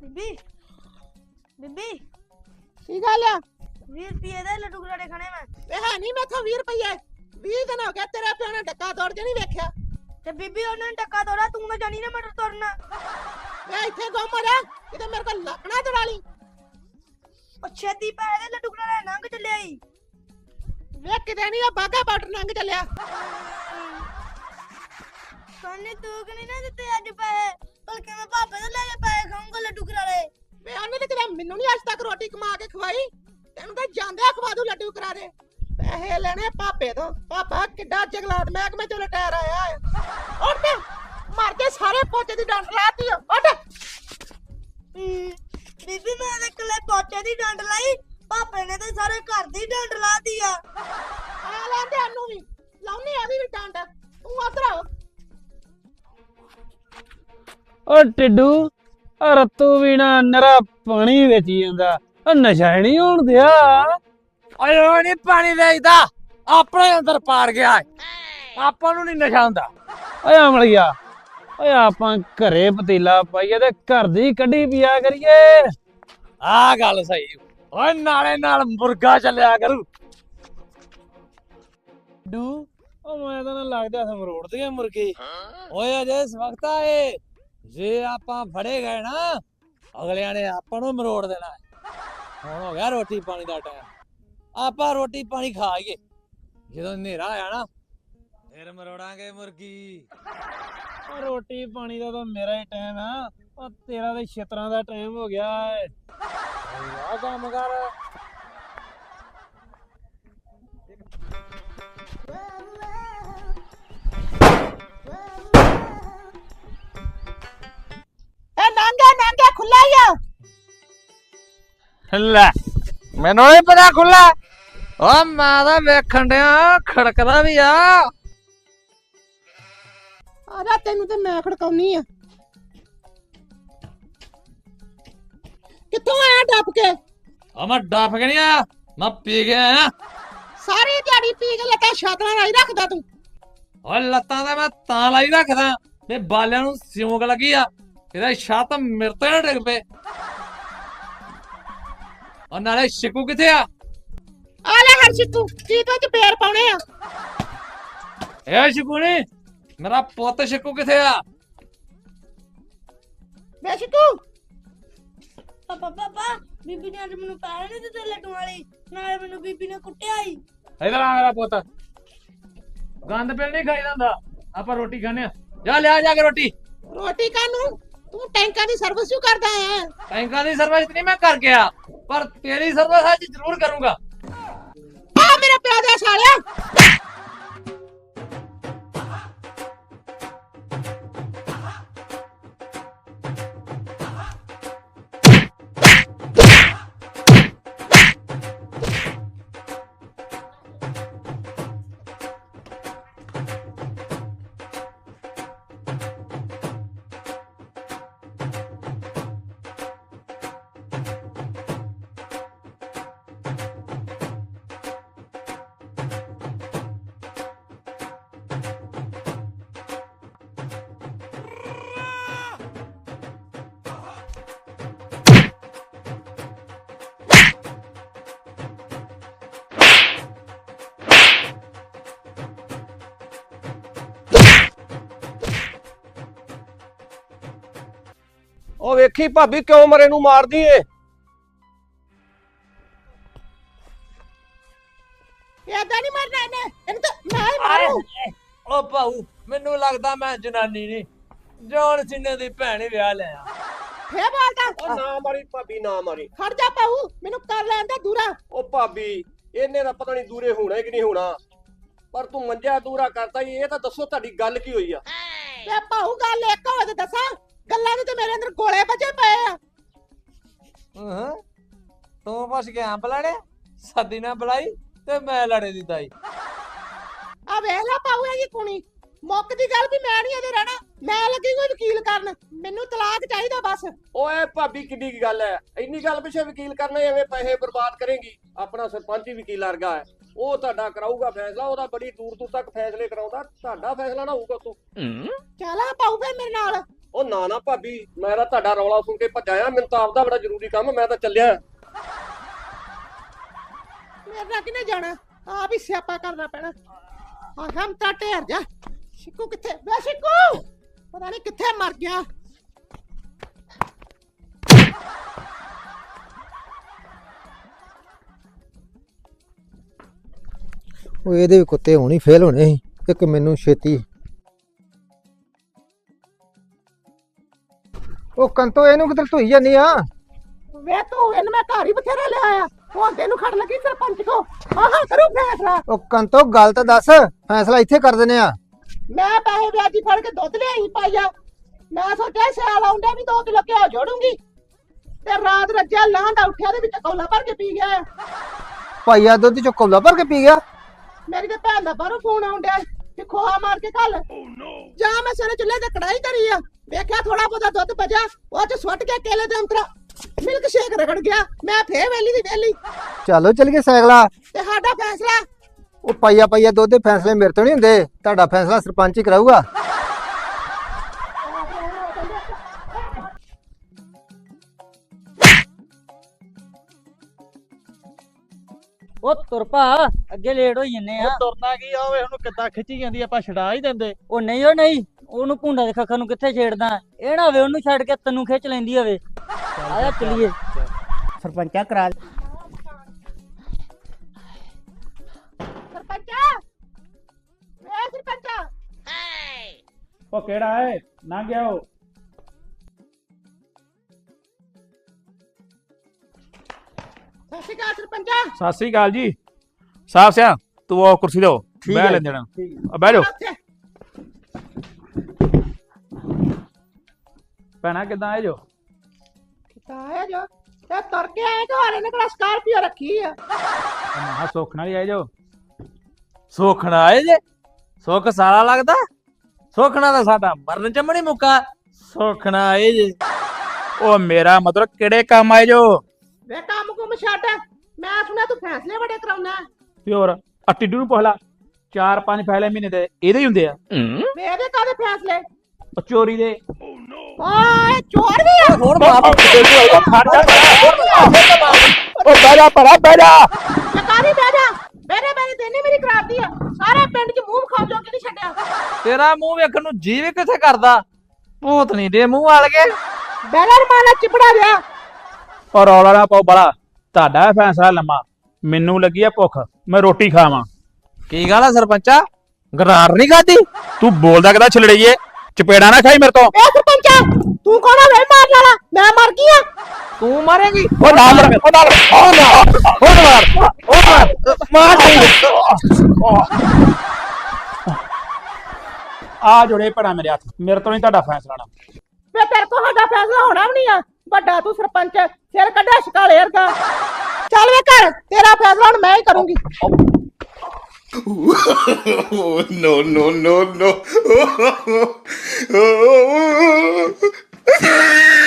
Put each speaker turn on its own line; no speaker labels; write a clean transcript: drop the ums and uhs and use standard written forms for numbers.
ਬੀਬੀ ਬੀਬੀ
ਕੀ ਗੱਲ ਆ
20 ਰੁਪਏ ਦੇ ਲੱਡੂ ਗਰਾੜੇ ਖਾਣੇ ਮੈਂ
ਇਹ ਹੈ ਨਹੀਂ ਮੈਥੋਂ 20 ਰੁਪਏ 20 ਦਿਨ ਹੋ ਗਏ ਤੇਰੇ ਪਿਓ ਨੇ ਡੱਕਾ ਤੋੜ ਕੇ ਨਹੀਂ ਵੇਖਿਆ।
ਤੇ ਬੀਬੀ ਉਹਨਾਂ ਨੇ ਟੱਕਾ ਤੋੜਾ ਤੂੰ ਨਾ ਜਾਣੀ ਨਾ ਮਟਰ ਤੋੜਨਾ।
ਮੈਂ ਇੱਥੇ ਗੁੰਮ ਰਿਹਾ ਕਿਤੇ ਮੇਰੇ ਕੋਲ ਲੱਕਣਾ ਤੜਾ ਲਈ।
ਉਹ ਛੇਤੀ ਪੈ ਦੇ ਲੱਡੂ ਗਰਾੜੇ ਲੰਘ ਚੱਲਿਆ ਈ।
ਵੇ ਕਿਤੇ ਨਹੀਂ ਆ ਬਾਗਾ ਬਾਰਡਰ ਲੰਘ ਚੱਲਿਆ।
ਕੰਨੇ ਤੂੰ ਕਿ ਨਹੀਂ ਨਾ ਦਿੱਤੇ ਅੱਜ ਪੈਸੇ ਬਲਕਿ ਮੈਂ ਪਾਪੇ ਤੋਂ ਲੈ ਕੇ ਪੈਸੇ ਖਾਊਂਗਾ ਲੱਡੂ ਗਰਾੜੇ।
ਵੇ ਉਹਨੇ ਤੇ ਕਿਤੇ ਮੈਨੂੰ ਨਹੀਂ ਅੱਜ ਤੱਕ ਰੋਟੀ ਕਮਾ ਕੇ ਖਵਾਈ। ਤੈਨੂੰ ਤਾਂ ਜਾਂਦੇ ਖਵਾ ਦੂ ਲੱਡੂ ਕਰਾਰੇ। ਪੈਸੇ ਲੈਣੇ ਪਾਪੇ ਤੋਂ। ਪਾਪਾ ਕਿੱਡਾ ਜਗਲਾਟ ਮਹਿਕਮੇ ਚੋਂ ਰਿਟਾਇਰ ਆਇਆ ਹੈ। ਉੱਠ ਮਰ ਕੇ ਸਾਰੇ ਪੋਚੇ ਦੀ ਡੰਡ ਲਾਤੀ। ਉੱਠ
ਬੀਬੀ ਮੈਂ ਤਾਂ ਇਕੱਲੇ ਪੋਚੇ ਦੀ ਡੰਡ ਲਾਈ ਪਾਪੇ ਨੇ ਤਾਂ ਸਾਰੇ ਘਰ ਦੀ ਡੰਡ ਲਾਤੀ ਆ।
ਆ ਲੈਂਦੇ ਸਾਨੂੰ ਵੀ ਲਾਉਣੀ ਆ ਵੀ ਡੰਡ। ਤੂੰ ਉਧਰ ਆ।
ਓ ਟਿੱਡੂ ਰਤੂ ਵੀ ਨਾ ਨਰਾ ਪਾਣੀ ਵੇਚੀ ਜਾਂਦਾ ਨਸ਼ਾ ਨਹੀਂ ਹੋਣ ਦਿਆ।
ਓਏ ਉਹ ਨਹੀਂ ਪਾਣੀ ਵੇਚਦਾ ਆਪਣੇ ਅੰਦਰ ਪਾੜ ਗਿਆ ਆਪਾਂ ਨੂੰ ਨਹੀਂ ਨਸ਼ਾ ਹੁੰਦਾ।
ਓਏ ਅਮਲੀਆ ਓਏ ਆਪਾਂ ਘਰੇ ਪਤੀਲਾ ਪਾਈਏ ਤੇ ਘਰ ਦੀ ਕੱਢੀ ਪੀਆ ਕਰੀਏ।
ਆਹ ਗੱਲ ਸਹੀ ਓਏ ਨਾਲੇ ਨਾਲ ਮੁਰਗਾ ਚੱਲਿਆ ਕਰੂ।
ਡੂ ਓ ਮੈਂ ਤਾਂ ਨਾ ਲੱਗਦਾ ਸਮਰੋੜ ਦੀਆਂ ਮੁਰਗੀ।
ਓਏ ਅਜੇ ਇਸ ਵਕਤ ਆਏ ਜੇ ਆਪਾਂ ਫੜੇ ਗਏ ਨਾ ਅਗਲਿਆਂ ਨੇ ਆਪਾਂ ਨੂੰ ਮਰੋੜ ਦੇਣਾ। ਹੁਣ ਹੋ ਗਿਆ ਰੋਟੀ ਪਾਣੀ ਦਾ ਟਾਈਮ ਆਪਾਂ ਰੋਟੀ ਪਾਣੀ ਖਾਈਏ ਜਦੋਂ ਹਨੇਰਾ ਆਇਆ ਨਾ ਫਿਰ ਮਰੋੜਾਂਗੇ ਮੁਰਗੀ।
ਓ ਰੋਟੀ ਪਾਣੀ ਦਾ ਤਾਂ ਮੇਰਾ ਹੀ ਟਾਈਮ ਆ। ਓ ਤੇਰਾ ਤੇ ਛਿੱਤਰਾਂ ਦਾ ਟਾਈਮ ਹੋ ਗਿਆ ਏ।
ਆ ਕੰਮ ਕਰ
ਇਹ ਨਾਂਗਾ ਖੁੱਲਾ ਹੀ ਆ।
ਲੈ ਮੈਨੂੰ ਨਹੀਂ ਪਤਾ ਖੁੱਲਾ। ਓ ਮੈਂ ਤਾਂ ਵੇਖਣ ਡਿਆ ਖੜਕਦਾ ਵੀ ਆ।
ਆ ਜਾ ਤੈਨੂੰ ਤੇ ਮੈਂ ਖੜਕਾਉਣੀ ਆ। ਕਿੱਥੋਂ ਆਇਆ ਡੱਪ ਕੇ?
ਆ ਮੈਂ ਡੱਫ ਕੇ ਨਹੀਂ ਆਇਆ ਮੈਂ ਪੀ ਕੇ ਆਇਆ।
ਸਾਰੀ ਦਿਹਾੜੀ ਪੀ ਕੇ ਲੱਤਾਂ ਛਾਤਲਾਂ ਲਾਈ ਰੱਖਦਾ ਤੂੰ।
ਓ ਲੱਤਾਂ ਤਾਂ ਮੈਂ ਤਾਂ ਲਾਈ ਰੱਖਦਾ ਤੇ ਬਾਲਿਆਂ ਨੂੰ ਸਿਉਂਕ ਲੱਗੀ ਆ ਇਹਦਾ ਛੱਤ ਮੇਰੇ ਤੇ ਨਾ ਡਿੱਗ ਪਏ। ਓ ਨਾਲੇ ਸ਼ਿਕੂ ਕਿੱਥੇ ਆ?
ਆ ਲੈ ਹਰਸ਼ਿਤੂ ਚੀਤਾਂ ਚ ਪੇਰ ਪਾਉਣੇ ਆ।
ਏ ਸ਼ਿਕੂ ਨੀ ਮੇਰਾ ਪੁੱਤ ਸ਼ਿਕੂ ਕਿੱਥੇ ਆ?
ਵੇ ਸ਼ਿਤੂ
ਪਾਪਾ ਬੀਬੀ ਨੇ ਅੱਜ ਮੈਨੂੰ ਪੈਸੇ ਨਹੀਂ ਦਿੱਤੇ ਲੱਡੂ ਵਾਲੀ ਨਾਲੇ ਮੈਨੂੰ ਬੀਬੀ ਨੇ ਕੁੱਟਿਆ ਈ।
ਇਧਰ ਆ ਮੇਰਾ ਪੁੱਤ ਗੰਦ ਪਿਲ ਨਹੀਂ ਖਾਈਦਾ ਹੁੰਦਾ ਆਪਾਂ ਰੋਟੀ ਖਾਣੇ ਆ। ਜਾ ਲਿਆ ਜਾ ਕੇ ਰੋਟੀ।
ਰੋਟੀ ਕਾਨੂੰ ਤੂੰ ਟੈਂਕਾਂ ਦੀ ਸਰਵਿਸ ਕਿਉਂ ਕਰਦਾ ਹੈ?
ਟੈਂਕਾਂ ਦੀ ਸਰਵਿਸ ਨਹੀਂ ਮੈਂ ਕਰ ਗਿਆ ਪਰ ਤੇਰੀ ਸਰਵਿਸ ਅੱਜ ਜ਼ਰੂਰ ਕਰੂੰਗਾ।
ਆ ਮੇਰੇ ਪਿਓ ਦੇ ਸਾਲਿਆ।
ਉਹ ਵੇਖੀ ਭਾਬੀ ਕਿਉਂ ਮਰੇ ਨੂੰ ਮਾਰਦੀ ਏ?
ਏਦਾਂ ਨਹੀਂ ਮਰਨਾ ਇਹਨੇ। ਇਹਨੂੰ ਤਾਂ ਮੈਂ ਹੀ ਮਾਰੂ।
ਓ ਭਾਊ ਮੈਨੂੰ ਲੱਗਦਾ ਮੈਂ ਜਨਾਨੀ ਨਹੀਂ ਜੌਨ ਸਿੰਨੇ ਦੀ ਭੈਣ ਹੀ ਵਿਆਹ ਲਿਆ।
ਫੇਰ ਬੋਲਦਾ।
ਉਹ ਨਾ ਮਾਰੀ ਭਾਬੀ ਨਾ ਮਾਰੀ।
ਖੜ ਜਾ ਪਾਉ ਮੈਨੂੰ ਕਰ ਲੈਣ ਦੇ ਦੂਰਾ।
ਉਹ ਭਾਬੀ ਇਹਨੇ ਤਾਂ ਪਤਾ ਨਹੀਂ ਦੂਰੇ ਹੋਣਾ ਕਿ ਨਹੀਂ ਹੋਣਾ ਪਰ ਤੂੰ ਮੰਜਾ ਦੂਰਾ ਕਰਤਾ ਈ। ਇਹ ਤਾਂ ਦੱਸੋ ਤੁਹਾਡੀ ਗੱਲ ਕੀ ਹੋਈ ਆ?
ਵੇ ਪਾਉ ਗੱਲ ਇੱਕ ਹੋਵੇ ਤੇ ਦੱਸਾਂ। ਗੱਲਾਂ ਦੇ ਤੇ ਮੇਰੇ ਅੰਦਰ ਗੋਲੇ ਵੱਜੇ ਪਏ ਆ।
ਤੂੰ ਪੁੱਛ ਕੇ ਅੰਬ ਲੜੇ ਸੱਦੀ ਨਾ ਬੁਲਾਈ ਤੇ ਮੈਂ ਲੜੇ ਦੀ ਤਾਈ।
ਆ ਵੇਖ ਲੈ ਪਾਉ ਇਹ ਜੀ ਕੁਣੀ ਮੁੱਕ ਦੀ ਗੱਲ ਵੀ ਮੈਂ ਨਹੀਂ ਇਹਦੇ ਰਹਿਣਾ। ਮੈਂ ਲੱਗੀ ਕੋਈ ਵਕੀਲ ਕਰਨ। ਮੈਨੂੰ ਤਲਾਕ ਚਾਹੀਦਾ ਬਸ।
ਓਏ ਭਾਬੀ ਕਿੱਡੀ ਕੀ ਗੱਲ ਐ? ਇੰਨੀ ਗੱਲ ਪਿੱਛੇ ਵਕੀਲ ਕਰਨੇ ਐਵੇਂ ਪੈਸੇ ਬਰਬਾਦ ਕਰੇਂਗੀ। ਆਪਣਾ ਸਰਪੰਚ ਹੀ ਵਕੀਲ ਵਰਗਾ ਹੈ। ਉਹ ਤੁਹਾਡਾ ਕਰਾਊਗਾ ਫੈਸਲਾ। ਉਹਦਾ ਬੜੀ ਦੂਰ ਦੂਰ ਤੱਕ ਫੈਸਲੇ ਕਰਾਉਂਦਾ। ਤੁਹਾਡਾ ਫੈਸਲਾ ਨਾ ਹੋਊਗਾ ਤੂੰ।
ਚੱਲ ਆ ਪਾਉ ਫੇ ਮੇਰੇ ਨਾਲ।
ਉਹ ਨਾ ਨਾ ਭਾਬੀ, ਮੈਂ ਤਾਂ ਤੁਹਾਡਾ ਰੌਲਾ ਸੁਣ ਕੇ ਭੱਜਿਆ। ਮੈਨੂੰ ਤਾਂ ਆਪਦਾ ਬੜਾ ਜ਼ਰੂਰੀ ਕੰਮ, ਮੈਂ ਤਾਂ ਚੱਲਿਆ।
ਮੇਰੇ ਨਾਲ ਕਿਨੇ ਜਾਣਾ, ਆਪ ਹੀ ਸਿਆਪਾ ਕਰਨਾ ਪੈਣਾ। ਆ ਹਮ ਤਾਂ ਢੇਰ ਜਾ। ਸ਼ਿਕੂ ਕਿੱਥੇ? ਵੇ ਸ਼ਿਕੂ ਪਤਾ ਨਹੀਂ ਕਿੱਥੇ ਮਰ ਗਿਆ।
ਉਹ ਇਹਦੇ ਵੀ ਕੁੱਤੇ ਹੋਣੀ ਫੇਲ ਹੋਣੇ ਸੀ, ਇੱਕ ਮੈਨੂੰ ਛੇਤੀ। ਉਹ ਕੰਤੋ ਇਹਨੂੰ ਕਿੱਧਰ ਧੋਈ ਜਾਨੀ ਆ?
ਵੇ ਤੂੰ ਇਹਨੂੰ ਮੈਂ ਘਰ ਹੀ ਬਥੇਰਾ ਲਿਆ ਆ, ਹੁਣ ਤੈਨੂੰ ਖੜ ਲੱਗੀ ਸਰਪੰਚ ਕੋ। ਆਹ ਕਰੂ ਫੈਸਲਾ।
ਉਹ ਕੰਤੋ ਗੱਲ ਤਾਂ ਦੱਸ, ਫੈਸਲਾ ਇੱਥੇ ਕਰ ਦਿੰਨੇ ਆ।
ਮੈਂ ਪੈਸੇ ਵਿਆਜੀ ਫੜ ਕੇ ਦੁੱਧ ਲਿਆਈ ਪਾਈਆ। ਮੈਂ ਸੋਚਿਆ ਸਿਆਲ ਆਉਂਦਾ ਵੀ 2 ਕਿਲੋ ਘਿਓ ਜੋੜੂੰਗੀ, ਤੇ ਰਾਤ ਰੱਜਿਆ ਲਾਂਡਾ ਉੱਠਿਆ ਦੇ ਵਿੱਚ ਕੌਲਾ ਭਰ ਕੇ ਪੀ ਗਿਆ।
ਭਾਈਆ ਦੁੱਧ ਚੋਂ ਕੌਲਾ ਭਰ ਕੇ ਪੀ ਗਿਆ।
ਮੇਰੀ ਤੇ ਭੈਣ ਦਾ ਬਾਹਰੋਂ ਫੋਨ ਆਉਂਦਿਆ ਕਿ ਖੋਆ ਮਾਰ ਕੇ ਘੱਲ। ਜਾਂ ਮੈਂ ਸਵੇਰੇ ਚੁੱਲ੍ਹੇ ਤੇ ਕੜਾਈ ਧਰੀ ਆ, ਵੇਖਿਆ ਥੋੜਾ ਬਹੁਤਾ ਦੁੱਧ ਬਚਿਆ, ਉਹ ਚ ਸੁੱਟ ਕੇ ਕੇਲੇ ਦੇ ਅੰਤਰਾ ਮਿਲਕ ਸ਼ੇਕ ਰਗੜ ਗਿਆ। ਮੈਂ ਫੇਰ ਵੇਲੀ ਦੀ ਵੇਲੀ।
ਚਲੋ ਚੱਲ ਗਏ ਸਾਈਕਲਾ।
ਤੇ ਸਾਡਾ ਫੈਸਲਾ
ਉਹ ਪਾਈਆ ਦੁੱਧ ਦੇ ਫੈਸਲੇ ਮੇਰੇ ਤੋਂ ਨਹੀਂ ਹੁੰਦੇ, ਤੁਹਾਡਾ ਫੈਸਲਾ ਸਰਪੰਚ ਹੀ ਕਰਾਊਗਾ।
ਉਹ ਤੁਰ ਭਾ, ਅੱਗੇ ਲੇਟ ਹੋਈ ਜੰਨੇ ਆ।
ਤੁਰਨਾ ਕੀ ਆ, ਓਏ ਉਹਨੂੰ ਕਿੱਦਾਂ ਖਿੱਚੀ ਜਾਂਦੀ ਆ, ਆਪਾਂ ਛਡਾ ਹੀ ਦਿੰਦੇ।
ਉਹ ਨਹੀਂ, ਉਹ ਨਹੀਂ, ਉਹਨੂੰ ਭੁੰਡਾ ਦੇ ਖੱਖਰ ਨੂੰ ਕਿੱਥੇ ਛੇੜਦਾ। ਇਹ ਨਾ ਹੋਵੇ ਉਹਨੂੰ ਛੱਡ ਕੇ ਤੈਨੂੰ ਖਿੱਚ ਲੈਂਦੀ ਹੋਵੇ। ਆਇਆ ਚੱਲੀਏ।
ਸਰਪੰਚਾ ਕਰਾ
ਸਰਪੰਚਾ। ਵੇ ਸਰਪੰਚਾ।
ਉਹ ਕਿਹੜਾ ਹੈ ਨਾ ਗਿਆ ਉਹ?
ਸਤਿ ਸ਼੍ਰੀ ਅਕਾਲ ਸਰਪੰਚਾ।
ਸਤਿ ਸ੍ਰੀ ਅਕਾਲ ਜੀ। ਸਾਫ ਸਿਆ ਤੂੰ ਉਹ ਕੁਰਸੀ ਲਓ, ਬਹਿ ਲੈ ਜਣਾ। ਬਹਿ ਜਾਓ। ਭੈਣਾ ਕਿੱਦਾਂ ਆਏ ਜੋ?
ਕਿੱਦਾਂ ਆਇਆ ਜੋ? ਤੇ ਤੁਰ ਕੇ ਆਏ ਕਿ ਹਾਲੇ ਨੇ ਕਿਹੜਾ ਸਕਾਰਪੀਓ ਰੱਖੀ ਆ?
ਮਹਾ ਸੁੱਖ ਨਾਲ ਹੀ ਆਏ ਜੋ।
ਸੋਖਣਾ ਆਏ ਜੇ? ਸੁੱਖ ਸਾਲਾ ਲੱਗਦਾ? ਸੋਖਣਾ ਤਾਂ ਸਾਡਾ ਮਰਨ ਚ ਮਣੀ ਮੁੱਕਾ। ਸੋਖਣਾ ਆਏ ਜੇ?
ਉਹ ਮੇਰਾ ਮਤਲਬ ਕਿਹੜੇ ਕੰਮ ਆਏ ਜੋ?
ਵੇ ਕੰਮ ਕੁਮ ਛੱਡ, ਮੈਂ ਸੁਣਿਆ ਤੂੰ ਫੈਸਲੇ ਬੜੇ ਕਰਾਉਣਾ।
ਤੇ ਹੋਰ ਆ ਟਿੱਡੂ ਨੂੰ ਪੁੱਛ ਲਾ, 4-5 ਫੈਲੇ ਮਹੀਨੇ ਦੇ ਇਹਦੇ ਹੀ ਹੁੰਦੇ ਆ।
ਵੇ ਇਹਦੇ ਕਾਹਦੇ ਫੈਸਲੇ?
ਉਹ ਚੋਰੀ ਦੇ।
ਓਏ ਚੋਰ ਵੀ ਆ?
ਹੁਣ ਬਾਪ
ਉਹ ਬਹਿ ਜਾ ਭਰਾ, ਬਹਿ ਜਾ।
ਲਕਾਰੀ ਬਹਿ ਜਾ। ਮੇਰੇ ਦੇਨੇ ਮੇਰੀ ਕਰਾਤੀ ਆ, ਸਾਰੇ ਪਿੰਡ 'ਚ ਮੂੰਹ ਖਾਉ ਜੋ ਕਿ ਨਹੀਂ ਛੱਡਿਆ।
ਤੇਰਾ ਮੂੰਹ ਵੇਖਣ ਨੂੰ ਜੀ ਵੀ ਕਿੱਥੇ ਕਰਦਾ, ਭੂਤਨੀ ਦੇ ਮੂੰਹ ਵਾਲ ਕੇ।
ਬੈਲਰ ਮਾਲਾ ਚਿਪੜਾ ਗਿਆ।
ਔਰ ਰੌਲਾ ਨਾ ਪਾਓ ਬੜਾ, ਤੁਹਾਡਾ ਫੈਸਲਾ ਲੰਮਾ। ਮੈਨੂੰ ਲੱਗੀ ਆ ਭੁੱਖ, ਮੈਂ ਰੋਟੀ ਖਾਵਾਂ।
ਕੀ ਗੱਲ ਆ ਸਰਪੰਚਾ, ਗਰਾਰ ਨਹੀਂ ਖਾਦੀ?
ਤੂੰ ਬੋਲਦਾ ਕਿਦਾ ਛਲੜੀਏ? ਚਪੇੜਾ ਨਾ ਖਾਈ ਮੇਰੇ ਤੋਂ।
ਏ ਸਰਪੰਚਾ, ਤੂੰ ਕੌਣ ਆ ਵੇ ਮਾਰਨ ਵਾਲਾ? ਮੈਂ ਮਰ ਗਈ ਆ।
ਤੂੰ ਮਾਰੇਂਗੀ?
ਉਹ ਨਾਲ ਮਾਰ, ਉਹ ਨਾਲ ਆ ਜੋੜੇ ਭੜਾ ਮੇਰੇ ਹੱਥ, ਮੇਰੇ ਤੋਂ ਨਹੀਂ ਤੁਹਾਡਾ ਫੈਸਲਾ ਨਾ।
ਵੇ ਤੇਰੇ ਕੋ ਸਾਡਾ ਫੈਸਲਾ ਹੋਣਾ ਵੀ ਨਹੀਂ ਆ। ਵੱਡਾ ਤੂੰ ਸਰਪੰਚ, ਸਿਰ ਕੱਢਿਆ ਸ਼ਕਾਲੇ ਵਰਗਾ। ਚੱਲ ਵੇ ਘਰ, ਤੇਰਾ ਫੈਸਲਾ ਹੁਣ ਮੈਂ ਹੀ ਕਰੂੰਗੀ।
no, no, no, no.